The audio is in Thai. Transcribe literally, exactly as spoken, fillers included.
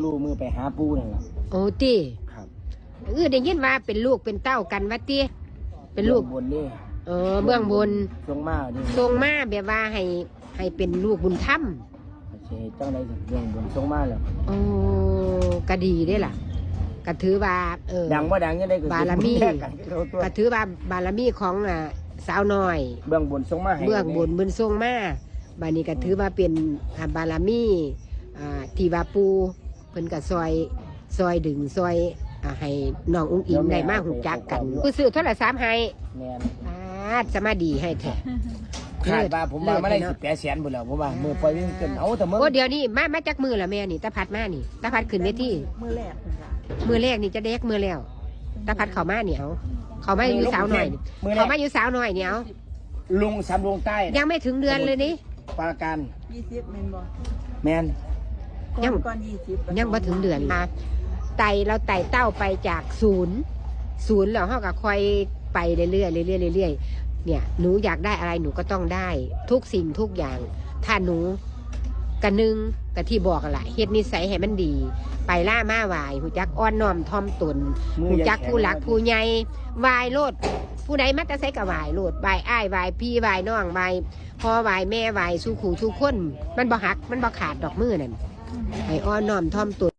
ลูกมือไปหาปูนั่นแหละโอ้ตีครับเออได้ยินว่าเป็นลูกเป็นเต้ากันวะตีเป็นลูกบนนี่เออเบื้องบนทรงมาดิทรงมาแบบว่าให้ให้เป็นลูกบุญธรรมโอเคเจ้าอะไรถึงเบื้องบนทรงมาแล้วโอ้ก็ดีได้ล่ะก็ถือว่าเออดังว่าดังยังได้บารมีก็ถือว่าบารมีของอ่าสาวน้อยเบื้องบนทรงมาเบื้องบนบุญทรงมาบานี้ก็ถือว่าเป็นบารมีอ่าที่ว่าปูเพิ่นก็ซอยซอยดึงซอยให้น้องอุ้งอิงได้มาหูจักกันผู้ซื้อโทรศัพท์ให้แม่นอาจะมาดีให้แท้ขาดว่าผมว่าไม่ได้สิบแปดแสนบุญแล้วผมว่ามือปล่อยวิ่งขึ้นเอาแต่มือโอ้เดี๋ยวนี้มามาจากมือละแม่นี่ตาพัดมานี่ตาพัดขึ้นเวทีมือแรกมือแรกนี่จะเด็กมือแล้วตาพัดเขามาเนี่ยเอาเขามาอยู่สาวหน่อยเขามาอยู่สาวหน่อยเนี่ยเอาลุงสามลงใต้ยังไม่ถึงเดือนเลยนี่ปราการยี่สิบแมนบอแมนยังก่อนยี่สิบยังมาถึงเดือนมาไต่เราไต่เต้าไปจากศูนย์ศูนย์แล้วเขาก็คอยไปเรื่อยๆเรื่อยๆเรื่อยๆเนี่ยหนูอยากได้อะไรหนูก็ต้องได้ทุกสิ่งทุกอย่างถ้าหนูกระนึงกะที่บอกกันแหละเฮ็ดนิสัยให้มันดีไปล่ามาไหวหูจักอ้อนน้อมทอมตนหูจักผู้หลักผู้ใหญ่วายโลดผู้ใดมัตตะไซกับวายโลดวายอ้ายวายพี่วายน้องวายพ่อวายแม่วายสู้ขู่สู้คนมันบ่หักมันบ่ขาดดอกมือนั่นไอ้อ้อนน้อมทอมตน